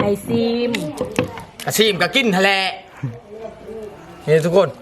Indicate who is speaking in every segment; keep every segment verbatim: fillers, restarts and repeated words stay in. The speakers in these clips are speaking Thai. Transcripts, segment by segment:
Speaker 1: ไอซีม
Speaker 2: กระซีมกระกินทะเลนี่ทุกคน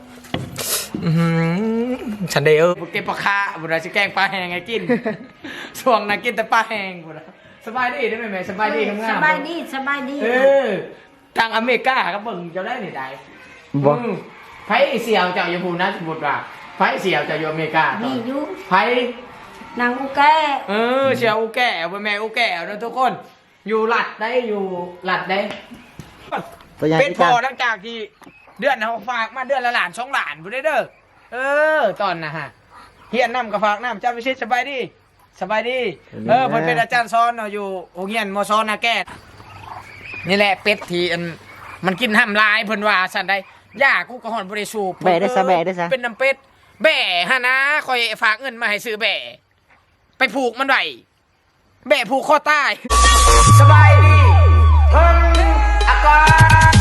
Speaker 2: ฉันเดอร์เก็บปลาคาบุตรจะแกงปลาแห้งไงกินช่วงนั้นกินแต่ปลาแห้งบุตรสบายดีได้ไหมแม่สบายดีทำงาน
Speaker 1: สบายดีสบายดี
Speaker 2: เออทางอเมริกาก็เบิ่งจะได้หนิได้
Speaker 3: บ่
Speaker 2: ไผเสี่ยวจากญี่ปุ่นนะสมมติว่าไผเสี่ยวจากอเมริกา
Speaker 1: มีอยู่
Speaker 2: ไผ
Speaker 1: นางอุแก
Speaker 2: เออเสี่ยวอุแก่เป็นแม่อุแก่นะทุกคนอยู่หลัดได้อยู่หลัดได้เป็นพอหลังจากที่เดือนเขาฝากมาเดือนละหลานสองหลานบุได้เด้อเออตอนนะฮะเฮียนน้ำกับฝากน้ำเจ้าวิชิตสบายดีสบายดีเออเพิ่นเป็นอาจารย์สอนเนาะอยู่โรงเรียนมอซอนนาแก่นี่แหละเป็ดที่มันกินห้ามลายเพิ่นว่าสั่นได้ย่ากูก็หอนบริสูบ
Speaker 3: แบะได้ซะแบะได้ซะ
Speaker 2: เป็นน้ำเป็ดแบ่ฮะนะคอยฝากเงินมาให้ซื้อแบ่ไปผูกมันไว้แบ่ผูกข้อใต้สบายดีเพิ่นอากาศ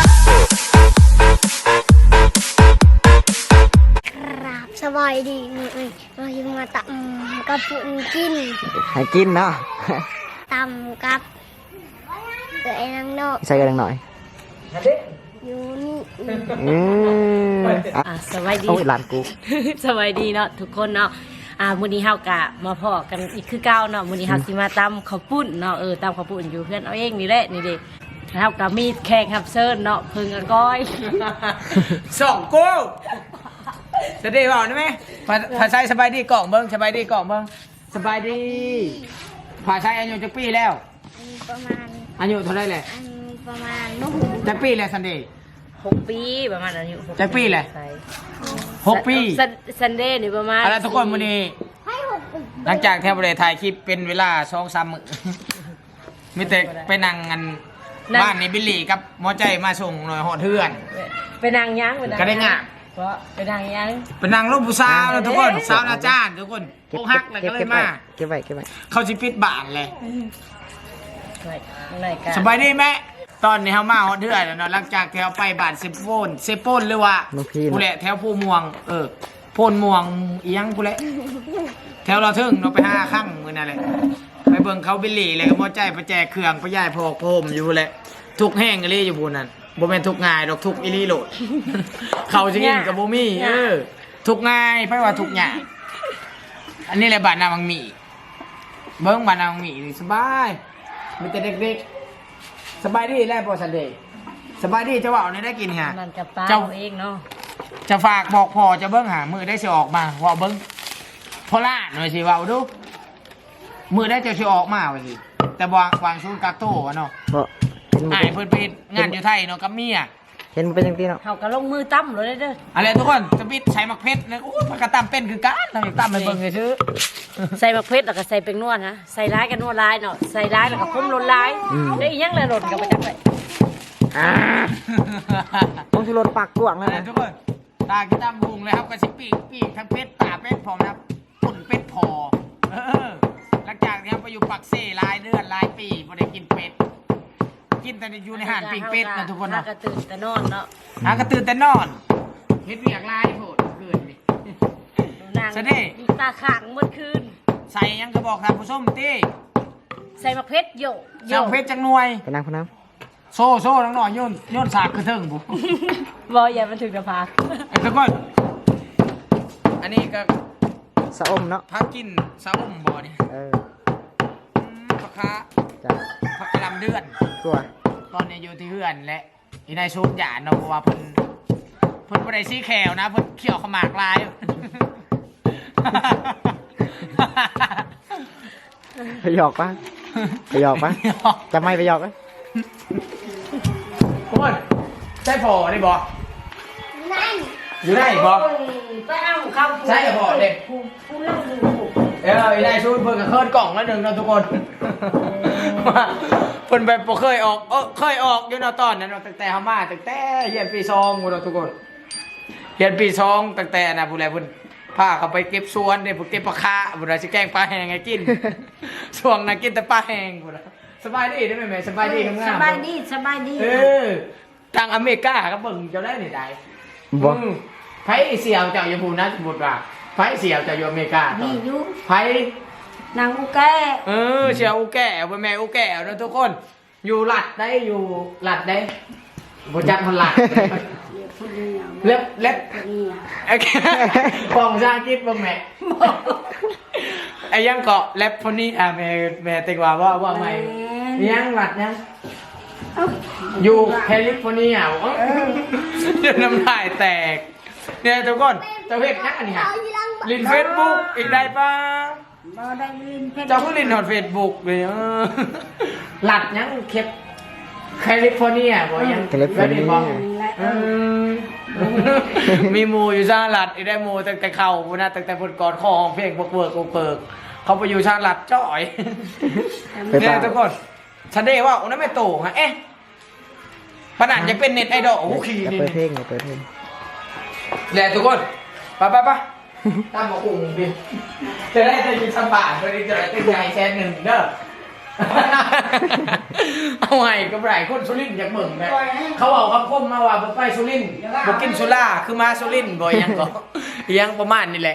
Speaker 4: ครับสบายดีนี่เอ้ยเราอยู่มาตำกับปุ่นกิน
Speaker 3: ให้กินเนาะ
Speaker 4: ตำกับเกลือนังนอก
Speaker 3: ใส่กันหน่อย
Speaker 4: อยู่นี่
Speaker 3: อืม
Speaker 1: อ่ะสบายดี
Speaker 3: โอ้ยหลานกู
Speaker 1: สบายดีเนาะทุกคนเนาะอ่ามื้อนี้เฮากะมาพอกันอีกคือเก่าเนาะมื้อนี้เฮาสิมาตำข้าวปุ้นเนาะเออตำข้าวปุ้นอยู่เพื่อนเอาเองนี่แหละนี่เด้เฮาก็มีแขกรับเชิญเนาะเพิ่งอะก้อย
Speaker 2: สองกูจะได้บอกได้ไหมภาษาสบายดีกล่องเบิ้งสบายดีกล่องเบิ้งสบายดีภาษาอายุจักปีแล้ว
Speaker 4: ประมาณ
Speaker 2: อายุเท่าไรเลย
Speaker 4: ประมาณนุ่ม
Speaker 2: จักปีแล้วซันเดย์
Speaker 1: หกปีประมาณอายุ
Speaker 2: จักปีเลยหกปี
Speaker 1: ซันเดย์นี่ประมาณ
Speaker 2: อะไรทุกคนวันนี้หลังจากแทบเลยถ่ายคลิปเป็นเวลาสองสามมื้อมีแต่ไปนั่งกันบ้านในบิลลี่กับหมอใจมาส่งหน่อยหอดเทือน
Speaker 1: ไปนั่งยั้ง
Speaker 2: ก็ได้งา
Speaker 1: เพราะไปนั่งยั้ง
Speaker 2: ไปนั่งรูปผู้สาวแล้วทุกคนสาวอาจารย์ทุกคนโกหักเลยก็เลยมา
Speaker 3: เก็บไว้เก็บไว้
Speaker 2: เขาจิปิดบ้านเลยสบายดีไหมตอนนี้เขามาหอดเทือนแล้วเนาะหลังจากแถวไปบ้านเซโปนเซโปนหรือว่าผู้แหละแถวผู้ม่วงเออโพนม่วงอียังผู้แหละแถวเราถึงเราไปห้าข้างมือนั่นแหละไปเบิ่งเขาบิลลี่เลยก็มอใจไปแจกเครื่องไปย่ายพอกพรมอยู่แหละทุกแห้งอีลี่อยู่บนนั้นบ่แม่นทุกง่ายดอกทุกอีลี่โหลดเขาจะกินกับบ่มีเออทุกง่ายไปว่าทุกอย่างอันนี้แหละบ้านนาบังหมี่เบิ่งบ้านนาบังหมี่สบายมีแต่เด็กๆสบายดีแล้วบ่ซันเดย์สบายดีจะว่าเอาได้กินฮะ
Speaker 1: เจ้าเองเนาะ
Speaker 2: จะฝากบอกพ่อจะเบิ่งหามือได้สิออกมาว่าเบิ่งพอล่าหน่อยสิว่าดูมือได้จะสิออกมาว่าสิแต่วางวางซูนกักโต้เนาะไอ้เพิ่นไปงานอยู่ไทยเนาะกับเมีย
Speaker 3: เห็นเป็นจังซี่เนาะ
Speaker 1: เฮาก็ลงมือตั้มเลยเด้อ
Speaker 2: อะไรทุกคนสปิดใส่มักเพชรนะโอ้ยมันก็ตั้มเป็นคือกันทำตั้มไปเบิ่งซื่อ
Speaker 1: ใส่มักเพชรแล้วก็ใส่เป็นนวดนะใส่ร้ายกันนวดร้ายเนาะใส่ร้ายแล้วก็พุ่มลนร้ายได้อีหยังเลยหล่นกันไปจังได๋
Speaker 3: อ่าต้องสิรถปากกว้างแล้วนะ
Speaker 2: ทุกคนตากินตามบุงเลยครับก็สิปีกปีกทั้งเพชรตาเป็ดพร้อมนะครับปุ่นเป็ดพอเออหลังจากนี้ไปอยู่ปักเซ่หลายเดือนหลายปีบ่ได้กินเป็ดกินแต่อยู่ในห่านปิ้งเป็ดนะทุกคนเนาะ
Speaker 1: กระตื่นแต่นอนเนาะ
Speaker 2: หากระตื่นแต่นอนเฮ็ดเวียกลายโหดเกินนี่
Speaker 1: ใส่เด้ตาข้างเมื่อคืน
Speaker 2: ใส่ยังก็บอกท่านผู้ชมติ
Speaker 1: ใส่มะเพชรโย
Speaker 2: โยเพชรจังหน่วย
Speaker 3: ไปนั่งพนัง
Speaker 2: โซ่โซ่น้องหน่อยโยนโยนสากกระเทิงบุ
Speaker 1: บอยอย่ามันถึงจะพัก
Speaker 2: ไอ้ทุกคนอันนี้ก็
Speaker 3: สะอมเนาะ
Speaker 2: พักกินสะอมบ่อนี่
Speaker 3: เออ
Speaker 2: ผักคะผักกระลำเดือน
Speaker 3: ตัว
Speaker 2: ตอนนี้อยู่ที่เฮือนและอีนายชูดหยาดเนาะเพราะว่าเพิ่นเพิ่นบ่ได้ซีแขวนะเพิ่นเขี่ยวขมากลาย
Speaker 3: ไปหยอกปะไปหยอกปะจะไม่ไปหยอกปะ
Speaker 2: ทุกคนใช่พอได้บ่
Speaker 4: นั่น
Speaker 2: อยู่ได้บ่
Speaker 1: ไปเอาเข้า
Speaker 2: ใช่พอเด็กเอออีนายชูดเพิ่นก็เคิร์ดกล่องแล้วนึงเนาะทุกคนเพิ่นแบบบ่เคยออกเออเคยออกอยู่เนาะตอนนั้นตั้งแต่เฮามาตั้งแต่เรียนปีสองพุ่นเนาะทุกคนเรียนปีสองตั้งแต่น่ะผู้ใดเพิ่นพาเขาไปเก็บสวนเด้เก็บปลาคาพุ่นน่ะสิแกงปลาแห้งให้กินช่วงนั้นกินแต่ปลาแห้งพุ่นน่ะสบายดีได้ไหมแม่สบายดีงาม
Speaker 1: สบายดีสบายดี
Speaker 2: เออทางอเมริกาก็เบิ่งเจ้าได้นี่ได้
Speaker 3: บ่
Speaker 2: ไผเสี่ยวจากญี่ปุ่นนะสมมุติว่าไผเสี่ยวจากอเมริกามี
Speaker 1: อยู่
Speaker 2: ไผ
Speaker 1: นางอุแก
Speaker 2: เออเสี่ยวอุแก่เป็นแม่อุแก่นะทุกคนอยู่หลัดได้อยู่หลัดได้บจักมันหลัดเล็บเล็บโอเคฟองซาคิดบ่แม่ไอ้ยังเกาะเล็บคนนี้อ่ะแม่แม่ติกว่าว่าว่าไงยังหลัดยังอยู่แคลิฟอร์เนียเดี๋ยวน้ำลายแตกเนี่ยทุกคนเจ้าเฮ็ดนักอันนี้ฮะลินเฟซบุ๊กอีกได้ปะเจ้าเพิ่งลินหอดเฟซบุ๊กเลยเออหลัดยังเข็บแคลิฟอร์เนียบ่ยัง
Speaker 3: แคลิฟอร์เนีย
Speaker 2: เออมีหมูอยู่ชาหลัดอีได้หมูตั้งแต่เข่าพุ่นนะตั้งแต่พุ่นก่อนข้อห้องเพลงเบิกเบิกเบิกเขาไปอยู่ชาหลัดจ่อย
Speaker 3: ไป
Speaker 2: เนี่
Speaker 3: ป่าย
Speaker 2: ทุกคนฉันได้ว่าโอ้นั่นไม่โตฮะเอ๊ะขนาดจะเป็นเน็ตไอดอลโอ้โหขี่
Speaker 3: อย่า
Speaker 2: นี่
Speaker 3: เปิดเพลงอย่าเปิดเพลง
Speaker 2: แหละทุกคนไปไปไปตามบอกกลุ่มดิจะได้จะยินสบายจะได้จะได้ตั้งใจแชร์หนึ่งเด้อเอาไงกับไรคนสุรินทร์อยากเบิ่งนะเขาเอาคำคมมาว่าบอกไปสุรินทร์บอกกินสุราคือมาสุรินทร์บ่ยังก็ยังประมาณนี่แหละ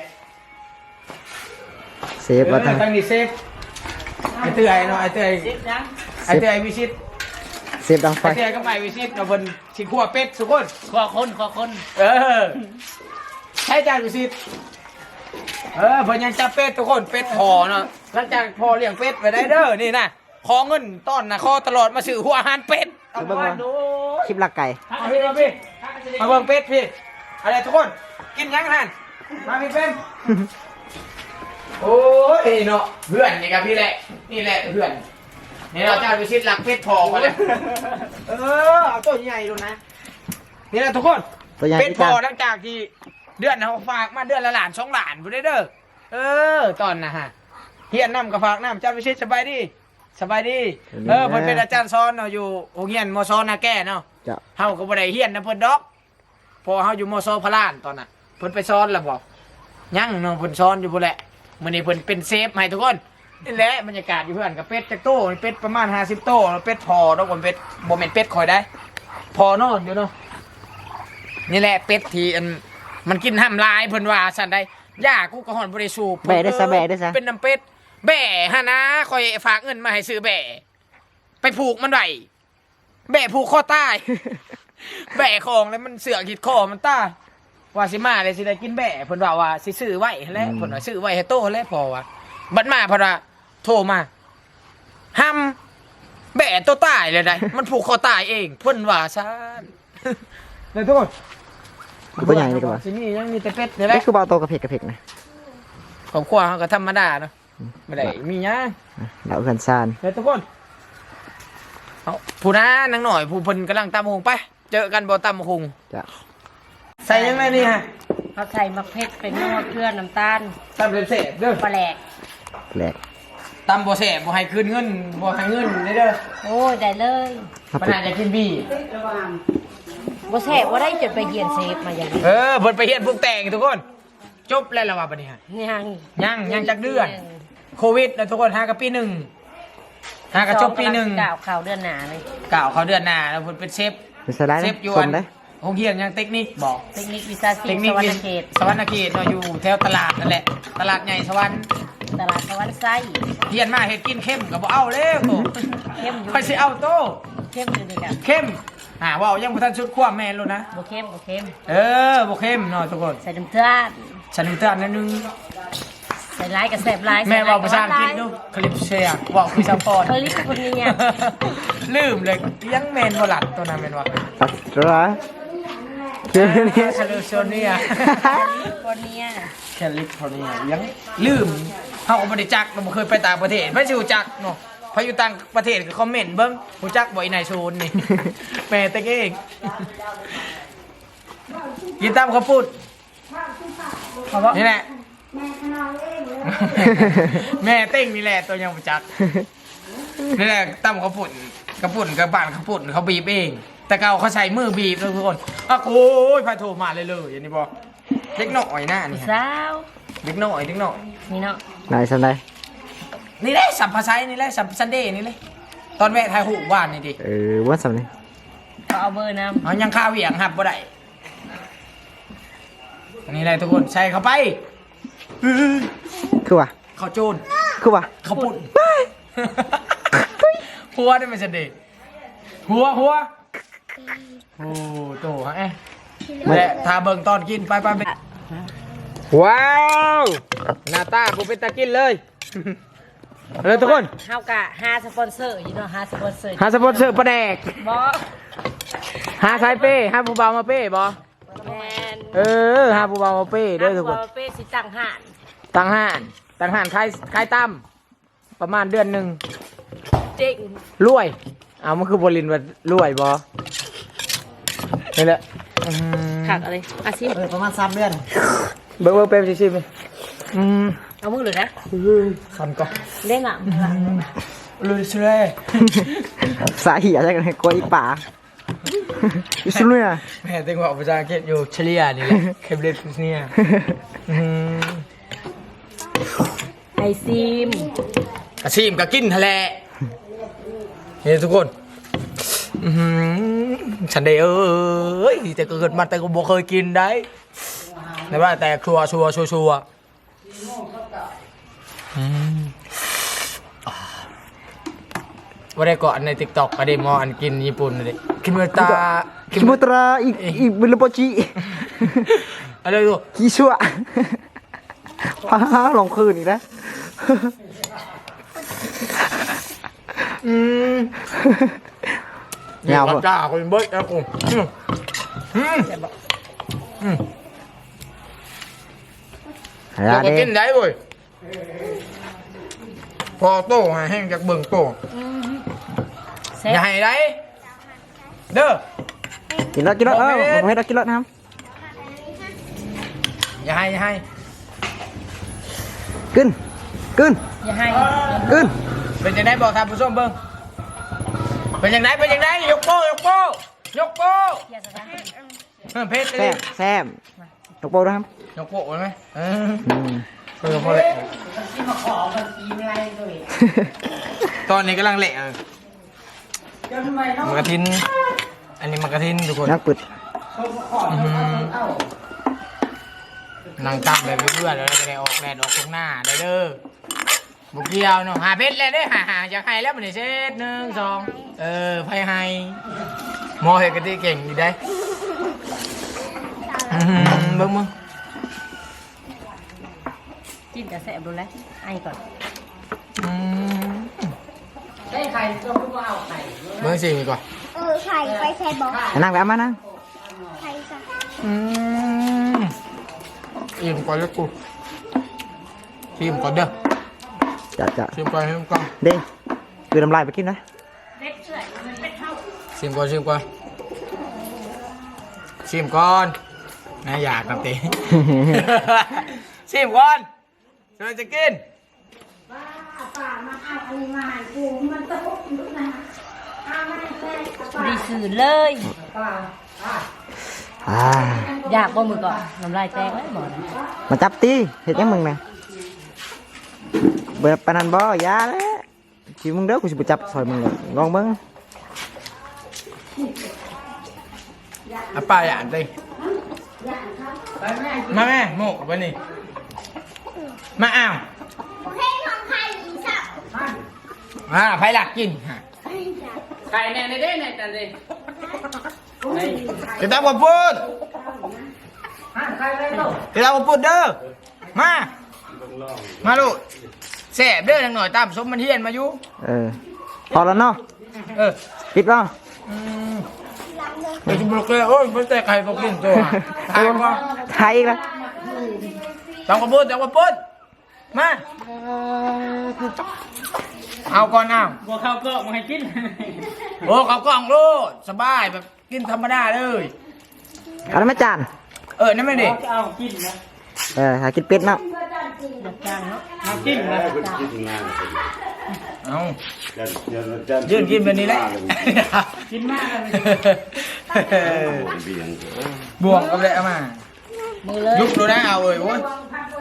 Speaker 3: เซฟว่าตั้ง
Speaker 2: ตั้งนี่เซฟไอเตื้อยเนาะไอเตื้อยไอเตื้อยวิชิต
Speaker 3: เซฟดังไฟ
Speaker 2: ไอเตื้อยก็ไปวิชิตกับเพิ่นสิขัวเป็ดสุกคน
Speaker 1: ขอคนขอคน
Speaker 2: เออใช่จานวิชิตเออเพิ่นยังจับเป็ดทุกคนเป็ดพอเนาะหลังจากพอเลี้ยงเป็ดไปได้เด้อนี่นะขอเงินต้อนนะขอตลอดมาซื้อหัวอาหารเป็ดเอาไปดู
Speaker 3: คลิปลักไก่
Speaker 2: มาพี่มาพี่มาเบิ่งเป็ดพี่อะไรทุกคนกินยังท่านมาพี่เป็นโอ้ยเนาะเพื่อนนี่ครับพี่แหละนี่แหละเพื่อนนี่เราจะไปชิดหลักเป็ดพอกันเลยเออเอาตัวใหญ่ดูนะนี่แหละทุกคน
Speaker 3: ตัวใหญ่
Speaker 2: เป็ด
Speaker 3: ที่
Speaker 2: พ
Speaker 3: กั
Speaker 2: อน หลังจากที่เดือนเขาฝากมาเดือนละหลานสองหลานบุได้เด้อเออตอนนะฮะเฮียนน้ำกับฝากน้ำเจ้าไปชิดสบายดีสบายดีเออเพิ่นเป็นอาจารย์สอนเนาะอยู่โรงเรียนมอซอนาแก่เนาะ
Speaker 3: จะ
Speaker 2: เฮาก็บ่ได้เฮียนนะเพิ่นดอกพอเฮาอยู่มอซอพระลานตอนน่ะเพิ่นไปสอนแล้วบ่ยังเนาะเพิ่นสอนอยู่บ่แหละมื้อนี้เพิ่นเป็นเซฟให้ทุกคนนี่แหละบรรยากาศอยู่เพื่อนกับเป็ดจักโตเป็ดประมาณห้าสิบโตแล้วเป็ดพอดอกบ่เป็ดบ่แม่นเป็ดคอยได้ พอนอนอยู่เนาะนี่แหละเป็ดที่อันมันกินห้ามลายเพิ่นว่าซั่นได้ย่ากูก็ฮ้อนบ่ได้สูบ
Speaker 3: แบะได้ซะแบะได้ซะ
Speaker 2: เป็นน้ำเป็ดแบ่ฮะนะคอยฝากเงินมาให้ซื้อแบ่ไปผูกมันไว้แบ่ผูกคอใต้ แบ่ของแล้วมันเสือกหิดคอมันตายว่าสิมาเลยสิได้กินแบ่เพิ่นว่าว่าสิซื้อไว้แล้วเพิ่นว่าซื้อไว้ให้โตแล้วพอว่าบัดมาเพนว่าโทรมาห้ามแบ่ตัวตายเลยได้ มันผูกคอตายเองเพิ่นว่าซ่านเลยทุกคน
Speaker 3: ตัวใหญ่ดีกว่า
Speaker 2: สิมียังมีแต่เป็ดนี่แหละ
Speaker 3: นี่คือเบาโตกระเพกกระเพกนะ
Speaker 2: ครอบครัวเขาก็ธรรมดาเนาะไม่ได้มีหยัง
Speaker 3: เราเพื่อนซาน
Speaker 2: เดี๋ยวทุกคนเอาผู้น้านางหน่อยผู้เพิ่นกำลังตำหงไป เจอกันบ่ตำหง
Speaker 3: จะ
Speaker 2: ใส่ยังไงนี่ฮะ
Speaker 1: เขาใส่มะเขือเป็นนวดเกลือน้ำตาล
Speaker 2: ตำเสร็จเด้อ
Speaker 1: ปลาแหลก
Speaker 3: แปลก
Speaker 2: ตำบ่แสบบ่ให้คืนเงินบ่ให้เงินได้เด้อ
Speaker 1: โอ้ยได้เลย
Speaker 3: ถ้า
Speaker 2: ปัญ
Speaker 3: ปิด
Speaker 2: หาจะกินบี้
Speaker 1: บ่แซ่บว่าได้จนไปเยียนเซฟมาอย่างนี้
Speaker 2: เออเพิ่นไปเฮ็ดพวกแต่งทุกคน จบแล้วล่ะว่าบัดนี้ฮะ
Speaker 1: ยัง
Speaker 2: ยังยังจักเดือน โควิดแล้วทุกคนหากับปีหนึ่งหากับจบปีหนึ่ง
Speaker 1: กล่าวข่าวเดือนหนาเลย
Speaker 2: กล่าวเขาเดือนหน้าแล้วเพิ่นเป็นเชฟ
Speaker 3: เป็นสไลด์
Speaker 2: เช
Speaker 3: นะ
Speaker 2: ฟอยู่
Speaker 3: ส
Speaker 2: อั
Speaker 3: ม
Speaker 2: น
Speaker 3: ได้
Speaker 2: โรงเรียนยังเทคนิคบอก
Speaker 1: เทคนิควิชาชี
Speaker 2: เท
Speaker 1: พ
Speaker 2: คนิ
Speaker 1: ส
Speaker 2: คว
Speaker 1: รร
Speaker 2: วิ
Speaker 1: ณเขต
Speaker 2: สวรรณเขตเนาะอยู่แถวตลาดนั่นแหละ ตลาดใหญ่สวรรค์
Speaker 1: ตลาดสวรรค์ไส้
Speaker 2: เรียนมาเฮ็ดกินเข้มก็บ่เอาแล้วโต
Speaker 1: เข้มอยู่
Speaker 2: ค่อยสิเอาโต
Speaker 1: เข้มอยู่นี่กับ
Speaker 2: เข้มอ่าว่าเอายังบ่ทันชุดความแม่นแล้วนะ
Speaker 1: บ่เข้มบ่เข้ม
Speaker 2: เออบ่เข้มเนาะทุกคน
Speaker 1: ใส่น้ำตาล
Speaker 2: ฉันเตือนนิดนึง
Speaker 1: ใส่ร้ายกับแสบร้าย
Speaker 2: แม่เว้าภาษาอังกฤษดูคลิปเชียร์เว้าคือซัพพอร์ต
Speaker 1: คลิปคนนี้เนี่ย
Speaker 2: ลืมเลยยังแม่นบ่หลัดตัวนั้นแม่นว่า
Speaker 3: ตัดร้ายเชื่อนี่
Speaker 2: แคลิฟอร์เนีย
Speaker 1: คนเนี้ย
Speaker 2: แคลิฟอร์เนียยังลืมเฮาก็บ่ได้จักเราบ่เคยไปต่างประเทศไม่สิรู้จักเนาะพออยู่ต่างประเทศก็คอมเมนต์เบิ่งรู้จักบ่อีนายโซนนี่ แม่แต่เองกินตามข้าวปุ้นนี่แหละ แม่เต้งนี่แหละตัวยังบ่จักนี่แหละตามข้าวปุ้นข้าวปุ้นกับบ้านข้าวปุ้นเขาบีบเอง แต่เก่าเขาใช้มือบีบเลยทุกคนอ่ะโอ้ยพาโทรมาเลยเลยอย่างนี้บอกเด็กหน่อยหน้านี่
Speaker 1: สาว
Speaker 2: เด็กหน่อยเด็กหน่อย
Speaker 1: นี่เนาะ
Speaker 3: นายสไลด์
Speaker 2: นี่แหละสัมภาษานี่แหละสัมซันเดย์นี่เลยตอนแม่ถ่ายหูบ้านนี่ดิ
Speaker 3: เออว่าสำเนียง
Speaker 1: เขาเอาเบอร์น้
Speaker 2: เอายังข้าวเหวี่ยงหับบ่ได้นี่แหละทุกคนใส่เข้าไป
Speaker 3: คือว่า
Speaker 2: ข้าวโจน
Speaker 3: คือว่า
Speaker 2: ข้าวปุ่นพัวได้ไหมซันเดย์หัวหัวโอ้โตฮะเอ๊ะแหละทาเบิ่งตอนกินไปไปไปว้าวหน้าตาผมเป็นตากินเลยเลยทุกคน
Speaker 1: เฮากะหาสปอนเซอร์อยู่เนาะหาสปอนเซอร์
Speaker 2: หาสปอนเซอร์ปลาแดก
Speaker 1: บ่
Speaker 2: หาสายเป้หาผู้บ่าวมาเป้บ่
Speaker 1: แมน
Speaker 2: เออหาผู้บ่าวมาเป้เด้อทุกคน
Speaker 1: หาเป้สิตั้งห่าน
Speaker 2: ตังห่านตังห่านคลายคลายตั้มประมาณเดือนหนึ่ง
Speaker 1: เจ๊ง
Speaker 2: รวยเอามันคือบรินว่ารวยบ่นี่แหละอืม
Speaker 1: ขักอะไรอาซิม
Speaker 3: เออประมาณสามเดือน
Speaker 2: เบิ่งเบิ่งเปรมชิมๆไหมอืม
Speaker 1: เอามือเลยนะ
Speaker 2: คันก่อน
Speaker 1: เล่นอ่ะ
Speaker 2: เลยเชื่อ
Speaker 3: สาเหตุอะไรกันกลัวอีป่าอิสุเนีย
Speaker 2: แม่ตึงบอกภาษาอังกฤษอยู่เฉลี่ยนี่แหละเคเบเลสเนี่ยอืม
Speaker 1: ไอซิม
Speaker 2: กระชิมกระกินทะเลนี่ทุกคนอืมฉันได้เอ้ยแต่เกิดมาแต่ก็บ่เคยกินได้แต่ว่าแต่ครัวชัวชัวชัวอืมว่าได้เกาะในติ๊กต็อกก็ได้มออันกินญี่ปุ่นเลยคิมตา
Speaker 3: คิโมตราอีกอีกบิลโปจิ
Speaker 2: อะไรตัว
Speaker 3: คิชัวพาลงคืนอีกแล้ว
Speaker 2: อืม
Speaker 3: ยาว
Speaker 2: กระ
Speaker 3: ปะ
Speaker 2: จ้าคนเบิร์ดนะกูอืมอืมอืม
Speaker 3: หา
Speaker 2: เราก็
Speaker 3: เด้
Speaker 2: กินได้เว้ยพอโตหาแห้งจากเบิ่งโต
Speaker 1: เซ็
Speaker 2: อย่าให้ได้เด้อ
Speaker 3: กินแล้วกินแล้วเออผมให้เรากินแล้วนะครับ
Speaker 2: อย่าให้อย่าให้
Speaker 3: ขึ้นขึ้น
Speaker 1: อย่าให้
Speaker 3: ขึ้น
Speaker 2: เป็นยังไงบอกท่านผู้ชมเบิ่งเป็นยังไงเป็นยังไงยกโป้ยกโป้ยกโป้
Speaker 1: อย่าสะกัด
Speaker 2: เพิ่มเพชร
Speaker 3: แซ
Speaker 2: เลย
Speaker 3: มแซมตกโปนะครับ
Speaker 2: ยกโป้ไว้ไหมเออ
Speaker 3: อืม
Speaker 2: เออพอเลยตอนนี้กำลังเละเออมันกระทินอันนี้มันกระทินทุกคน
Speaker 3: นักปิด
Speaker 2: นั่งตั้งแบบเพื่อนแล้วจะได้ออกแดดออกตรงหน้าได้เด้อบุกเกี่ยวเนาะหาเพชรเลยเด้อหาหาอยากให้แล้วมันได้เช็ดหนึ่งสองเออไฟให้มอเห็ดกะทิเก่งดีได้อื้อหือเบิ่งมึง
Speaker 1: จิ้มจะแสบดูแลไอ้ก่อน
Speaker 2: อืม
Speaker 1: ได้ใครก็พูดว่าเอาไข่
Speaker 2: เบิ่งสิก่อน
Speaker 4: เออไข่ไปใส่บอก
Speaker 3: นั่งแบบมานั่ง
Speaker 4: ไข่ใส่
Speaker 2: อืมอิ่มก่อนแล้วกูชิมก่อนเด้อ
Speaker 3: จะจะ
Speaker 2: ชิมก่อนชิมก่อน
Speaker 3: เด้งคือน้ำลายไปกินนะ
Speaker 1: เล็กเฉยมันเป็นเท่า
Speaker 2: ชิมก่อนชิมก่อนชิมก่อนน่าอยากครับเต้ ชิมก่อนจะจะกิน
Speaker 1: ดีสื่อเลย
Speaker 3: อ่า
Speaker 1: อยากบ่มือก่อนน้ำลายแตกเลยบ่นะ
Speaker 3: มาจับตีเห็ดยังมึงนะเบิดปานนันบ่ยาแล้วชีมึงเด้อกูสิไปจับซอยมึงเลยลองเบิ่ง
Speaker 2: อ่ะป้าอยากดิมาแม่โมกวันนี้มาอ้าว
Speaker 4: เพลงของไข่อีสับ
Speaker 2: อ่าไผหลักกิน
Speaker 1: ไข่แน่ในเด้ในแต่เด้
Speaker 2: จะตามผมพูดจะตามผมพูดเด้อมา มาลูกแสบเด้อทางหน่อยตามสมมันเฮียนมาอยู่
Speaker 3: เออพอแล้วเนาะ
Speaker 2: เออ
Speaker 3: ปิดแล้ว
Speaker 2: ไปกินบล็อกเลยโอ้ยไม่แต่ใครบอกกินตัวตายว่า
Speaker 3: ถ่ายอีกแล้ว
Speaker 2: ตามผมพูดตามผมพูดมา เอาก่อนเอา
Speaker 1: บัวข้าวก็มาให้กิน
Speaker 2: โอ้เขากล่องลูกสบายแบบกินธรรมดาเลย
Speaker 3: เอาแล้วไม่จาน
Speaker 2: เออนั่นไม่ดิ
Speaker 1: เอากินนะ
Speaker 3: เออหากินเป็ดเนาะ
Speaker 1: จางเนาะเอากินนะ
Speaker 2: เอายืนกินแบบนี้แหละ
Speaker 1: กินมากเลย
Speaker 2: บวงกับเลยเอามา
Speaker 1: มือเลย
Speaker 2: ยุบดูนะเอาเอ้ยโว้ย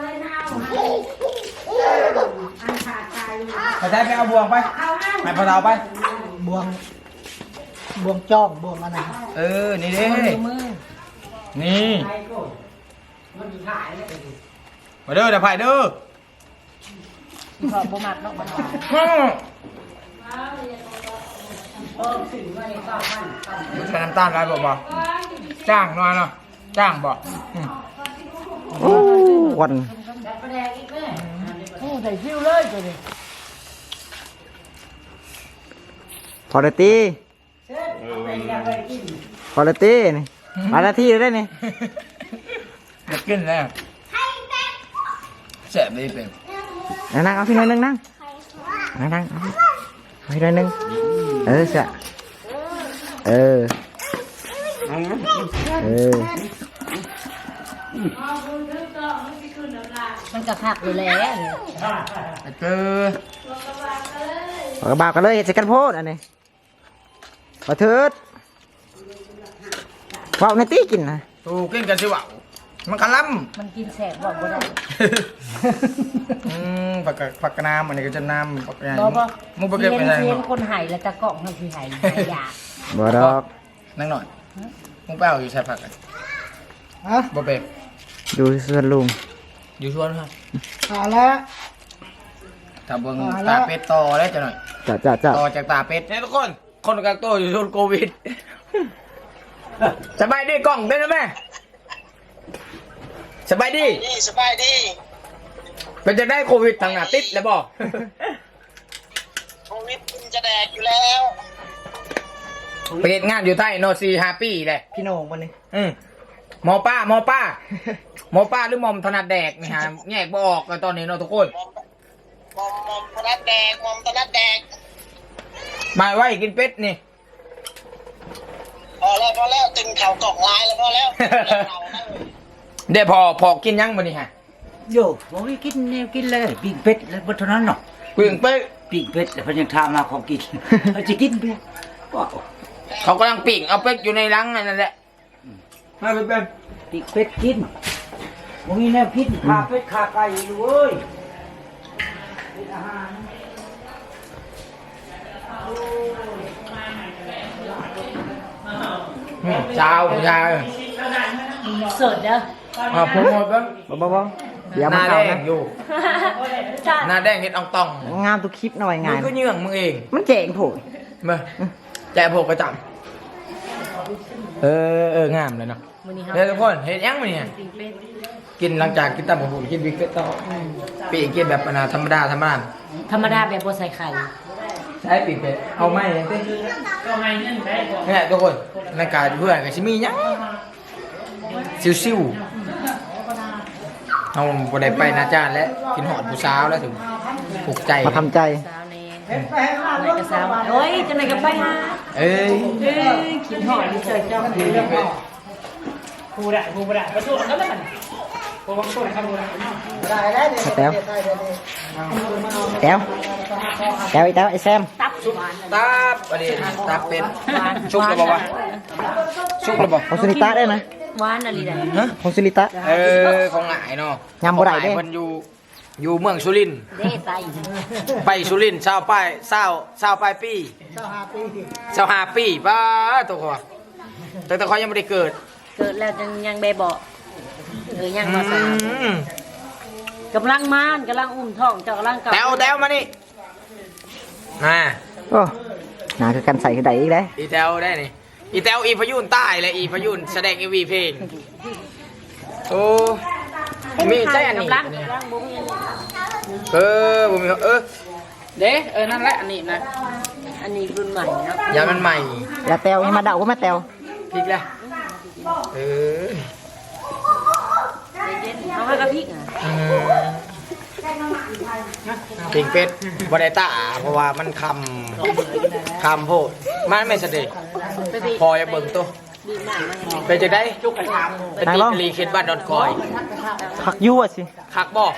Speaker 2: ไปใช้ไปเอาบวงไปไปพอเราไป
Speaker 5: บวงบวงจ้องบวงอะไร
Speaker 2: เออ นี่เด้
Speaker 1: มือ
Speaker 2: นี่มาเด้อเดี๋ยวไผ่เด้อ
Speaker 1: พอบ่มักเนาะบ่
Speaker 2: ใส่น้ำตาลอะไรบอกบอกจ้างหน่อยเนาะจ้างบอกอืม
Speaker 3: โอ้วัน
Speaker 1: โอ้ใส่ฟิวเลยตัวนี้
Speaker 3: พอเลยตีพอเลยตีนี่มาหน้าที่เลยได้นี่
Speaker 2: อยากกินแล้วแสบไม่เป็น
Speaker 3: นั่งนั่งเอาพี่หน่อยหนึงนั่งนั่งนั่งเอาพี่เอาพี่หน่อยหนึงเออจะเออเออ
Speaker 1: มันกระคักอยู่แล้ว
Speaker 2: เจอ
Speaker 3: เอากระบากันเลยเห็ดใส่กันโพดอันนี้มาเถิดว่าวในตีกินนะ
Speaker 2: ตูกินกันสิวะมันกะล้ำ
Speaker 1: มันกินแสบบอกบ่ได้
Speaker 2: อืมผักกะผักกะน้ำอันนี้ก็จะน้ำผักกะ
Speaker 1: บอกว่า
Speaker 2: มุกไปเก็บไปไหน
Speaker 1: เห็น
Speaker 2: เนาะ
Speaker 1: คนไห้แล้วตะเกาะมันคือไห้ไห้ยา
Speaker 3: บ่ดอก
Speaker 2: นั่งหน่อยมุกไปเอาอยู่ใส่ผักกัน
Speaker 5: ฮะ
Speaker 2: บ่เป็ด
Speaker 3: ดูส่วนลุง
Speaker 2: อยู่ชวนครับ
Speaker 5: เอาแล้ว
Speaker 2: ถ้าเบิ่ง
Speaker 5: มาแล้
Speaker 2: ตาว เป็ดต่อแล้วจะหน่อย
Speaker 3: จ้าจ้าจ้า
Speaker 2: ต่อจากตาเป็ดเนี่ยทุกคนคนกักตัวอยู่ช่วงโควิดสบายดีกล้องเป็นไหมสบายดี
Speaker 6: นี่สบายดี
Speaker 2: เป็นจะได้โควิดทางหน้าติดแล้วบอก
Speaker 6: โควิดมันจะแดกอยู่แล้ว
Speaker 2: ไปเฮ็ดงานอยู่ไทยโนซีฮาปี้เลย
Speaker 3: พี่โหน่งวันนี้
Speaker 2: อืมหมอป้าหมอป้าหมอป้าหรือหมอมถนัดแดกนี่ฮะแยกบ่ออกกันตอนนี้เนาะทุกคน
Speaker 6: มอมมอมธนัดแดกมอมธนัดแดก
Speaker 2: มาไว้กินเป็ดนี่
Speaker 6: พอแล้วพอแล้วตึงเข่ากล่องลายแล้วพอแล้วเข่านั่ง
Speaker 2: เดี๋ยวพอพอกินยังมื้อนี้ฮะ
Speaker 7: โย่บอกให้กินแนวกินเลยปีกเป็ดแล้วบนเท่านั้นเนาะ
Speaker 2: กึ่งเป็ด
Speaker 7: ปีกเป็ดแต่เพันยังทำมาของกิน เขาจะกินเพียว้าว
Speaker 2: เขากำลังปิ้งเอาเป็ดอยู่ในรังนั่นแหละมาเป็น
Speaker 7: ปีกเป็ดกินผมมีแนวกินขาเป็ดขาไก่อยู่เว้ยเป็นอาหาร
Speaker 2: ชาวชาว
Speaker 1: สดเด้อ
Speaker 2: อ่าผมหมดแล้ว
Speaker 3: บ่บ่บ่เดี๋ยว
Speaker 2: ห
Speaker 3: มา
Speaker 2: น้าแด
Speaker 3: เข้าง นะ
Speaker 2: อยู่
Speaker 1: จ้า
Speaker 2: หน้าแดงเห็ดอ่องตอง
Speaker 3: งามทุกคลิปหน่อย
Speaker 2: มึ
Speaker 3: งาง น
Speaker 2: ก็เยื่องมึงเอง
Speaker 3: มันเจ๋งโผล่
Speaker 2: มาแจกโผล่กระจับเออเอองามเลยเนาะ
Speaker 1: มื้อนี้เฮา
Speaker 2: เฮ้ยทุกคนเห็ดยังมั้ยเนี่ย
Speaker 1: ปิ้งเป็ด
Speaker 2: กินหลังจากกินตับหมูกินบิ๊กเก็ตต่อปีกกินแบบปนาธรรมดาธรรมดา
Speaker 1: ธรรมดาแบบบ่ใส่ไข่
Speaker 2: ใช้ปีกเป็ดเอาไหมเนี่ยก็ให้เงินไปเนี่ยทุกคนในการเพื่อนกับชิมียังซิวๆเอาบ่ได้ไปนะจ้าและกินหอดผู้สาวแล้วถึงถูกใจ
Speaker 3: มาทำใจ
Speaker 1: สาวแน่ไหนก็สาวโอ้ยจังได๋ก็ไปหา
Speaker 2: เอ้ย
Speaker 1: เอ้ยกินหอดอยู่เฉยเจ้า
Speaker 5: ผู้ได้ผู้ได้ประตูนั่นแหละผู้บังคับครับผู้ได้ได้ได้เดี๋ยว
Speaker 3: แต้ว
Speaker 5: ได้เดี๋ยวนี้
Speaker 3: แต้วแต้วไอ้แต้วไอ้แซม
Speaker 1: ตับหวาน
Speaker 2: ตาบประเดี๋ยวตาเป็ดชุกแล้วบอกว่าชุกแล้วบอก
Speaker 3: ของสุนิตาได้ไหม
Speaker 1: หวานอะไรได้
Speaker 2: ฮะ
Speaker 3: ของสุนิตา
Speaker 2: เออของหงายเนาะ
Speaker 3: ยำบ่ได้เด้
Speaker 2: ของหงายมันอยู่อยู่เมืองสุรินทร์
Speaker 1: เด้ไต
Speaker 2: ไปสุรินทร์เศร้าไปเศร้าเศร้าปลายปี
Speaker 5: เจ้าหาปี
Speaker 2: เศร้าห้าปีป้าตัวเขาแต่แต่เขายังไม่ได้เกิด
Speaker 1: เกิดแล้วยังยังแบบบ่เออยังบ่สาว
Speaker 2: อืม
Speaker 1: กำลังมานกำลังอุ้มท้องเจ้ากำลังกับ
Speaker 2: แต้วแต้วมานี่มา
Speaker 3: โอ้หนาคือกันใส่กระไดอีกเลย
Speaker 2: อีแต้วได้นี่อีแต้วอีพยุนใต้เลยอีพยุนแสดงเอวีเพลงโอ้มีใจอันนี้
Speaker 1: กำลังกำลังบุ้งยัง
Speaker 2: เออผมมีเออเด้เออนั่นแหละอันนี้นะ
Speaker 1: อันนี้รุ่นใหม่เนาะ
Speaker 2: ยามันใหม่
Speaker 3: แล้วแต้วให้มาเดาว่ามาแต้ว
Speaker 2: พริกเลยเออ
Speaker 1: เย็นๆเขาให้กระพริกอ่ะ
Speaker 2: อืมปิงเป็ดบไดตาเพราะว่ามันคำคำโพดมันไม่เสด็จ
Speaker 1: ไปไป
Speaker 2: พอจะเบิ่งตัว
Speaker 1: บีบหน้ามาให้
Speaker 2: ไปจะได้จุกกระชามเป็นตีรีเคนบ้านดอนคอย
Speaker 3: ผักยั่วสิ
Speaker 2: คักบอก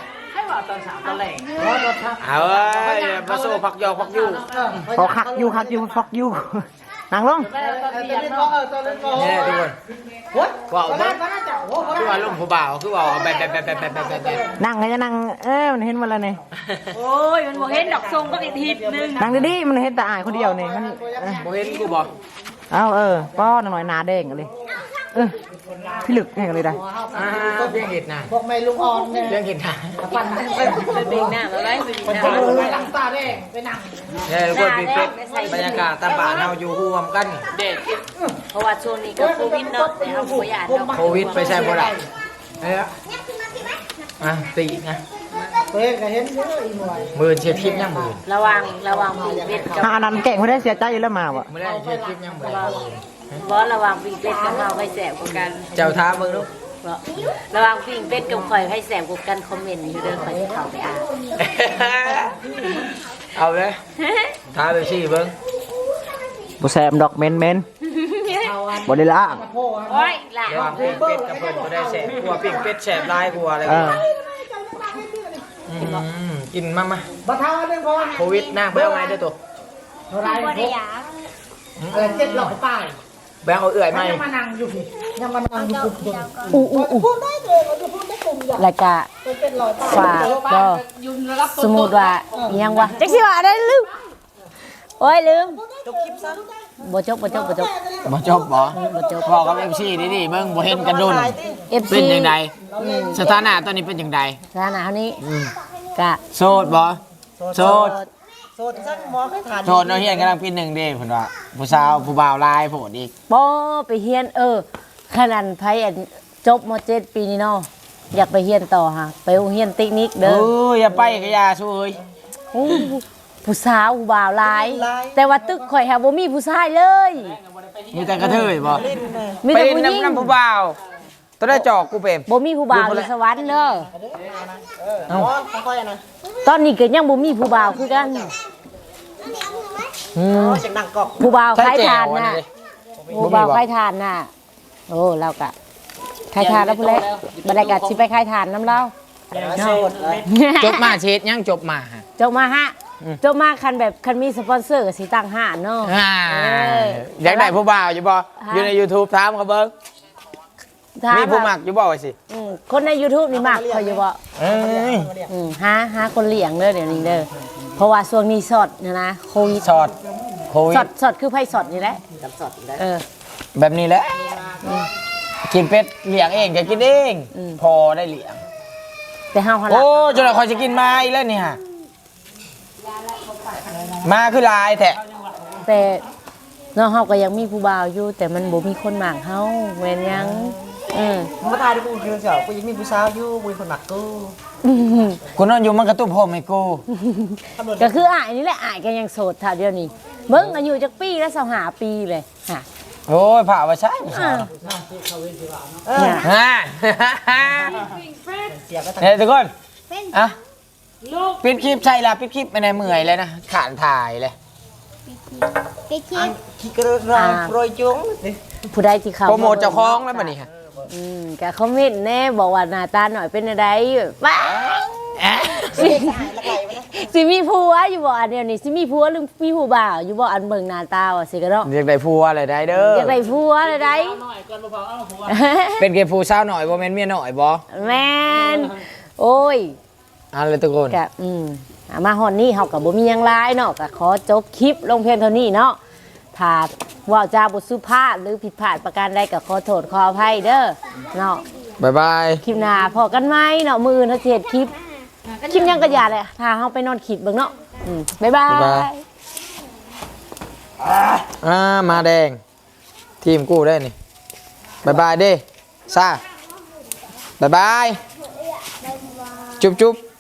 Speaker 2: เอาเอ้ยมาโซ่พักยอกพักยู่
Speaker 3: พอคักยู่คักยู่ฟักยู่นางลง
Speaker 5: เออตอนนี้ก็เออตอนนี้ก็
Speaker 2: เนี่ยทุกคน
Speaker 5: โอ้ย
Speaker 2: ว่าเอา
Speaker 5: ได้
Speaker 2: บ้าง
Speaker 5: มาแล้วจ้ะโอ้โห
Speaker 2: คือว่าลุงผู้บ่าวคือว่าแบบแบบแบบแบบแบบแบบแบบ
Speaker 3: นั่งไงจะนั่งเอ้ยมันเห็นมาแล้วนี่
Speaker 1: โอ้ยมันบอกเห็นดอกทรงก็อีกทีนึง
Speaker 3: นั่งดีๆมันเห็นแต่อายคนเดียวนี่มันเออ
Speaker 2: โมเห็นกูบอก
Speaker 3: เอาเออป้อนหน่อยหนาแดงเลยเออพี่ลึกแห่งเลยได้
Speaker 2: อ่าเรื่องเห็ดนะ
Speaker 5: พวกแม่ลุงอ่อนเนี่ย
Speaker 2: เรื่องเห็ดนะ
Speaker 5: ปั่นนั่งไป
Speaker 1: ไปเบ่งหน้ามาไว้
Speaker 5: ปั่นนั่งไปหลังตาแดงไปนั่ง
Speaker 3: เนี่ยทุกคนเป็นบรรยากาศตามบ้านเราอยู่ร่วมกัน
Speaker 1: เด็กเพราะว่าช่วงนี้ก็โควิดเนาะแต่เอาขยานเนาะ
Speaker 3: โควิดไปใช่บ่ได้เอ้ยอ่ะตีนะ
Speaker 5: เฮ้ยก็เห็นเยอะอีหน่วย
Speaker 3: มือเชียร์คลิปยังมือ
Speaker 1: ระวังระวังบีเป็ดกับ
Speaker 3: หานั้นแก่งไม่ได้เสียใจอยู่แล้วมาวะ
Speaker 2: ไม่ได้เชียร์คลิปยังมือบ
Speaker 1: อสระวังบีเป็ดกับเราให้แสบกว่ากัน
Speaker 3: เจ้าท้ามึงลูก
Speaker 1: เพราะระวังบีเป็ดกับข่อยให้แสบกว่ากันคอมเมนต์อยู่เด้อข่อยจะเข้าไปอ่าน
Speaker 3: เอาเลยท้าไปชี้เบิ้งบ่แซมดอกเมนเมนบ่ได้ล่าง
Speaker 1: โอ้ยหล่ะ
Speaker 3: ระหว่างปิ้งเป็ดกับเพิ่นบ่ได้แสบกลัวปิ้งเป็ดแสบลายกลัวอะไร
Speaker 7: เอ
Speaker 3: กลั
Speaker 7: อ
Speaker 3: วอืมกินมามา
Speaker 5: บัตรเท้าหนึ่งพอ
Speaker 3: โควิดนะเบิ้งไงเด้อตัว
Speaker 5: เท่าไร
Speaker 4: บ่ได้ยา
Speaker 5: เออเจ็ดร้อยป้าย
Speaker 3: แบงเอาเอื่อยไหม
Speaker 5: ยังมานั่งอยู่พี่ยังมานั่งอยู่กลุ่มเดียว
Speaker 1: อู้อู้อู้
Speaker 5: พูดได้เลยเราจะพูดได้กลุ่มเดียว
Speaker 1: แล้วก็
Speaker 5: เป็นเจ็ดร้อยป้าย
Speaker 1: ฝากก็สมมุติว่าอิหยังวะจักสิว่าได้ลืมโอ้ยลืม
Speaker 5: จบคลิปซะ
Speaker 1: บ่จบบ่จบบ่จบ
Speaker 2: บ่จบบ่
Speaker 1: บ่จบ
Speaker 2: บอกกับเอฟซีนี่ดิเบิ่งบ่เห็นกันโดน
Speaker 1: เอฟ
Speaker 2: เป็
Speaker 1: ซี
Speaker 2: นยังไงสถานะตอนนี้เป็นยังไง
Speaker 1: สถานะเท่านี้กะ
Speaker 2: โสดบ่โสด
Speaker 5: โซนสักหมอให้ทาน
Speaker 2: โสดเนาะเฮียนกำลังปีหนึ่งเด้เพิ่นว่าผู้สาวผู้บ่าวหลายโพดอีก
Speaker 1: บ่ไปเฮียนเออขนาดไผอันจบม .เจ็ด ปีนี้เนาะอยากไปเฮียนต่อฮะไปโรงเรียนเทคนิค
Speaker 2: เอ
Speaker 1: เด้อ
Speaker 2: ออย่าไปก็อย่าสู้เอ้ย
Speaker 1: อู้ผู้สาวผู้บ่าวหลาย แต่ว่าตึกข่อยฮะบ่มีผู้ชายเลย
Speaker 2: มีแต่กระเทยบ่
Speaker 1: มี
Speaker 2: ไป
Speaker 1: แต่ผู้หญิง
Speaker 2: นำนำผู้บ่าวตัวได้จอกกูเป็น
Speaker 1: บ่มีผู้บ่าวอยู่สวรรค์เด้อ
Speaker 5: อ๋อค่อยๆนะ
Speaker 1: ตอนนี้ก็ยังบ่มีผู้บ่าวคือกัน
Speaker 2: อืม
Speaker 5: เสียงดังกอก
Speaker 1: ผู้บ่าว
Speaker 2: ใช่
Speaker 1: ขาย
Speaker 2: แจ๋
Speaker 1: ทาน
Speaker 2: วอัน
Speaker 1: น่ะ
Speaker 2: นี้
Speaker 1: ผู้บ่าวขายทานน่ะโอ้เราก็ขายทานแล้วพุ่นแหละบ่ได้ก็สิไปขายทานนำเรา
Speaker 5: โซนเลย
Speaker 2: จบมาเช็ดยังจบมาฮะ
Speaker 1: จบมาฮะจบมาคันแบบคันมีสปอนเซอร์ก็สิตั้งห้านเนาะ
Speaker 2: อ่า
Speaker 1: เออ
Speaker 2: อยากได้ผู้บ่าวอยู่บ่อยู่ใน YouTube ถามเขาเบิ่ง
Speaker 1: ถา
Speaker 2: มีผู้
Speaker 1: ว่า
Speaker 2: มักอยู่บ่ว่าสิ
Speaker 1: อืมคนใน YouTube นี่มักเขาอยู่บ่
Speaker 2: เอ้ย
Speaker 1: อืมหาหาคนเลี้ยงเด้อเดี๋ยวนี้เด้อเพราะว่าช่วงนี้สดนะนะโควิด
Speaker 2: สอดโควิ
Speaker 1: ส
Speaker 2: ด
Speaker 1: ดสดคือไผสดนี่แหละสดเออ
Speaker 2: แบบนี้แหละกินเป็ดเลี้ยงเองก็กินเอง
Speaker 1: อืม
Speaker 2: พอได้เลี้ยง
Speaker 1: แต่เฮาหั่น
Speaker 2: โอ้
Speaker 1: ล่ะ
Speaker 2: จนเราคอยจะกินมาอีกแล้วเนี่ยมาคือลายแท้
Speaker 1: แต่เนาะเฮาก็ยังมีผู้บ่าวอยู่ แต่มันบ่มีคนหมากเฮาแม่นยังอืม
Speaker 5: มาตายด้วยกูคือเจ้ากูยังมีผู้สาวอยู่กูคนหนักกู
Speaker 2: คุณนอนอยู่มันกระตุ้มผมให้กู
Speaker 1: ก็คืออ้ายนี่แหละอ้ายก็ยังโสดเท่าเดียวนี้เบิ่งอายุจักปีแล้วสิบห้าปีเลยฮะ
Speaker 2: โอ้ยผ่าว่าใช่ไม่ใช่
Speaker 1: อ่าเนี่ย
Speaker 2: ฮะ
Speaker 5: เสียก็
Speaker 2: เฮ้ยทุกคนอ่ะปิดคลิปใช่ละปิดคลิปไม่ได้เมื่อยเลยนะขานถ่ายเลย
Speaker 4: ไปเที่ยว
Speaker 5: ขี้กระไรโปรยจุ้ง
Speaker 1: ผู้ใดที่เขา
Speaker 2: โปรโมทเจ้าของแล้วบัดนี้ฮะ
Speaker 1: อืมก็คอมเมนต์แน่บอกว่าหน้าตาหน่อยเป็นอะไรว้า
Speaker 2: เอ๊ะ
Speaker 1: สิสิมีผัวอยู่บ่อันเดียวนี่สิมีผัวหรือมีผู้บ่าวอยู่บ่อันเบิ่งหน้าตาว่าสิกะเนาะ
Speaker 2: เรียกได้ผัวอะไรได้เด้อ
Speaker 1: อยากได้ผัวเลยได้
Speaker 2: เป็นเกย์ผู้สาวหน่อยบ่แม่นเมียหน่อยบ่
Speaker 1: แม่นโอ้ย
Speaker 2: เอันเลยทุกคน
Speaker 1: ก็อืมอ่ะมาฮอดนี้เฮาก็บ่มีหยังหลายเนาะก็ขอจบคลิปลงเพียงเท่านี้เนาะถ้าเว่าจาบ่สุภาพหรือผิดพลาดประการใดก็ขอโทษขออภัยเด้อเนาะ
Speaker 2: บ๊ายบาย
Speaker 1: คลิปหน้าพอกันไหมเนาะมื้ออื่นเฮาสิเฮ็ดคลิปคลิปหยังก็อย่าเลยถ้าเฮาไปนอนคิดเบิ่งเนาะอืมบ๊ายบาย
Speaker 2: อ่ามาแดง ทีมกูได้นี่บายบายเด้ซ่าบายบาย จุ๊บจุ๊บ